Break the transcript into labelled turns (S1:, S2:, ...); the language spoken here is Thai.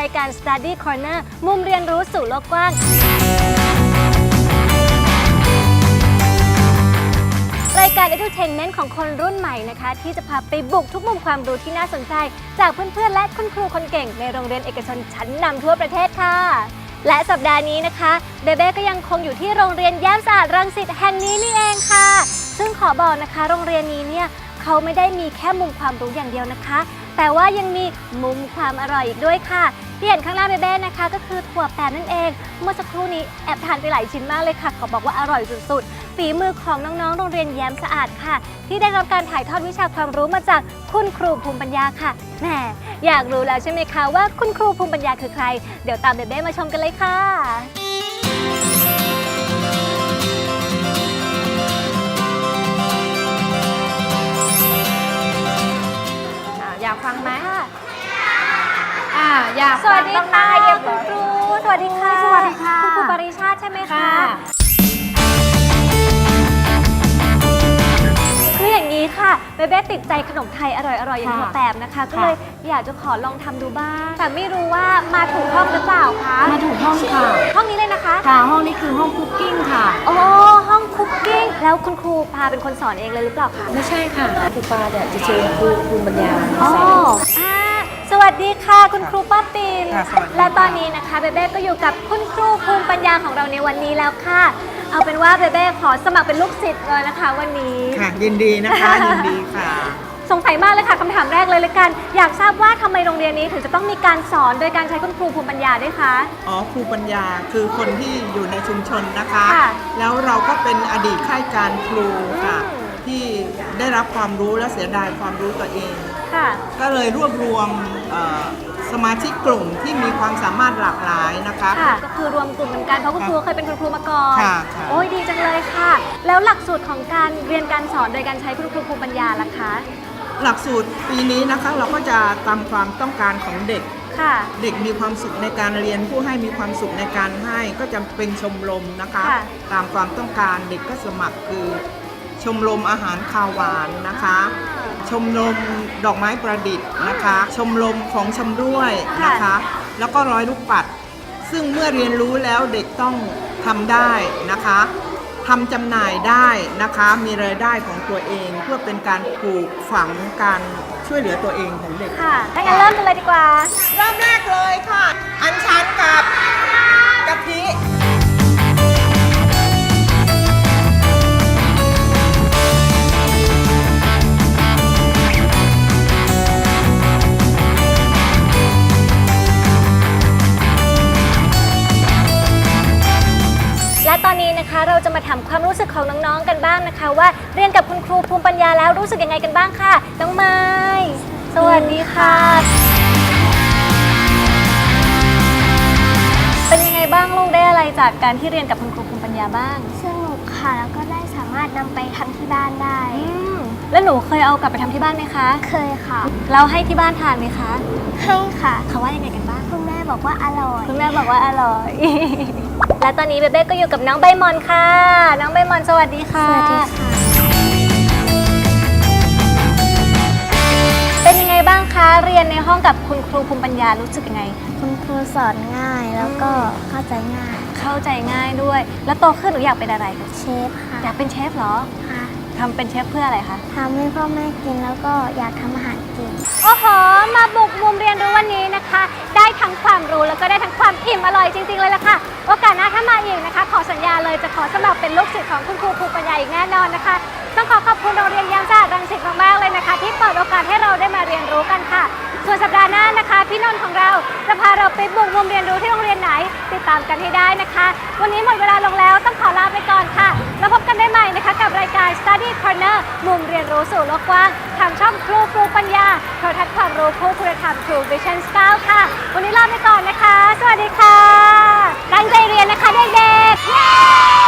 S1: ายการ Study Corner มุมเรียนรู้สู่โลกกว้างรายการ Edutainment ของคนรุ่นใหม่นะคะที่จะพาไปบุกทุกมุมความรู้ที่น่าสนใจจากเพื่อนๆและคุณครูคนเก่งในโรงเรียนเอกชนชั้นนำทั่วประเทศค่ะและสัปดาห์นี้นะคะเบเบ้ก็ยังคงอยู่ที่โรงเรียนแย้มสะอาดรังสิตแห่งนี้นี่เองค่ะซึ่งขอบอกนะคะโรงเรียนนี้เนี่ยเขาไม่ได้มีแค่มุมความรู้อย่างเดียวนะคะแต่ว่ายังมีมุมความอร่อยอีกด้วยค่ะที่เห็นข้างหน้าเบเบ้นะคะก็คือถั่วแปบนั่นเองเมื่อสักครู่นี้แอบทานไปหลายชิ้นมากเลยค่ะขอบอกว่าอร่อยสุดๆฝีมือของน้องๆโรงเรียนแย้มสะอาดค่ะที่ได้รับการถ่ายทอดวิชาความรู้มาจากคุณครูภูมิปัญญาค่ะแหมอยากรู้แล้วใช่ไหมคะว่าคุณครูภูมิปัญญาคือใครเดี๋ยวตามเบเบ้มาชมกันเลยค่ะ
S2: อยากฟังไหมอยาก
S1: สวัสดีค่ะเดี๋ยวคุณครูสวัสดีค่ะ
S2: สวัสดีค่ะ
S1: คุณครูปริชาติใช่ไหมคะคืออย่างนี้ค่ะเบเบ้ติดใจขนมไทยอร่อยๆอย่างถั่วแปบนะคะก็เลยอยากจะขอลองทำดูบ้างแต่ไม่รู้ว่ามาถูกห้องหรือเปล่าคะ
S2: มาถูกห้องค่ะ
S1: ห้องนี้เลยนะคะ
S2: ค่ะห้องนี้คือห้องคุกกิ้งค่ะ
S1: อ๋อห้องคุกกิ้งแล้วคุณครูพาเป็นคนสอนเองเลยหรือเปล่าคะ
S2: ไม่ใช่ค่ะครูปาเนี่ยจะเชิญครูภูมิปัญญาสอน
S1: สวัสดีค่ะคุณครูป้าปิ่นและตอนนี้นะคะเบเบ้ก็อยู่กับคุณครูภูมิปัญญาของเราในวันนี้แล้วค่ะเอาเป็นว่าเบเบ้ขอสมัครเป็นลูกศิษย์เลยนะคะวันนี้
S3: ค่ะยินดีนะคะยินดีค่ะ
S1: สงสัยมากเลยค่ะคำถามแรกเลยละกันอยากทราบว่าทำไมโรงเรียนนี้ถึงจะต้องมีการสอนโดยการใช้คุณครูภูมิปัญญาด้วยคะ
S3: ครูปัญญาคือคนที่อยู่ในชุมชนนะคะแล้วเราก็เป็นอดีตข้าราชการครูค่ะที่ได้รับความรู้และเสียดายความรู้ตัวเองก็เลยรวบรวมสมาชิกกลุ่มที่มีความสามารถหลากหลายนะคะ
S1: ก็คือรวมกลุ่มเหมือนกันเพราะคุณครูเคยเป็นคุณครูมาก่อนโอ้ยดีจังเลยค่ะแล้วหลักสูตรของการเรียนการสอนโดยการใช้คุณครูภูมิปัญญาล่ะคะ
S3: หลักสูตรปีนี้นะคะเราก็จะตามความต้องการของเด็กเด็กมีความสุขในการเรียนผู้ให้มีความสุขในการให้ก็จะเป็นชมรมนะคะตามความต้องการเด็กก็สมัครคือชมรมอาหารคาวหวานนะคะชมรมดอกไม้ประดิษฐ์นะคะชมรมของชำร่วยนะคะแล้วก็ร้อยลูกปัดซึ่งเมื่อเรียนรู้แล้วเด็กต้องทำได้นะคะทำจำหน่ายได้นะคะมีรายได้ของตัวเองเพื่อเป็นการปลูกฝังการช่วยเหลือตัวเองของเด็ก
S1: ค่ะถ้างั้นเริ่มกันเลยดีกว่า
S3: เริ่มแรกเลยค่ะอัญชันกับกะทิ
S1: และตอนนี้นะคะเราจะมาถามความรู้สึกของน้องๆกันบ้างนะคะว่าเรียนกับคุณครูภูมิปัญญาแล้วรู้สึกยังไงกันบ้างค่ะน้องไม้สวัสดีค่ะเป็นยังไงบ้างลูกได้อะไรจากการที่เรียนกับคุณครูภูมิปัญญาบ้าง
S4: สนุกค่ะแล้วก็ได้สามารถนำไปทำที่บ้านได้
S1: แล้วหนูเคยเอากลับไปทำที่บ้านไหมคะ
S4: เคยค่ะ
S1: เราให้ที่บ้านทานไหมคะ
S4: ให้ค่ะ
S1: เขาว่ายังไงกันบ้าง
S4: คุณแม่บอกว่าอร่อย
S1: คุณแม่บอกว่าอร่อยและตอนนี้เบเบ้ก็อยู่กับน้องใบมอนค่ะน้องใบมอนสวัสดีค่ะ
S4: สวัสดีค่ะ
S1: เป็นยังไงบ้างคะเรียนในห้องกับคุณครูภูมิปัญญารู้สึกยังไง
S4: คุณครูสอนง่ายแล้วก็เข้าใจง่าย
S1: ด้วยแล้วโตขึ้นหนูอยากเป็นอะไร
S4: เชฟค่ะ
S1: อยากเป็นเชฟเหรอ
S4: ค่ะ
S1: ทำเป็นเชฟเพื่ออะไรคะ
S4: ทำให้พ่อแม่กินแล้วก็อยากทำอาหารกิน
S1: โอ้โหมาบุกมุมเรียนรู้วันนี้นะคะได้ทั้งความรู้แล้วก็ได้ทั้งความอิ่มอร่อยจริงๆเลยล่ะค่ะโอกาสหน้าถ้ามาอีกนะคะขอสัญญาเลยจะขอสมัครเป็นลูกศิษย์ของคุณครูภูมิปัญญาอีกแน่นอนนะคะต้องขอบคุณโรงเรียนแย้มสะอาดรังสิตมากๆเลยนะคะที่เปิดโอกาสให้เราได้มาเรียนรู้กันค่ะส่วนสัปดาห์หน้านะคะพี่นนท์ของเราจะพาเราไปบุกมุมเรียนรู้ที่โรงเรียนไหนติดตามกันให้ได้นะคะวันนี้หมดเวลาลงแล้วต้องขอลาไปก่อนค่ะแล้วพบกันได้ใหม่นะคะกับรายการ Study Corner มุมเรียนรู้สู่โลกกว้างทางช่องครูภูมิปัญญาโทรทัศน์ความรู้คู่คุณธรรม True Vision 9 ค่ะวันนี้ลาไปก่อนนะคะสวัสดีค่ะตั้งใจเรียนนะคะเด็กๆ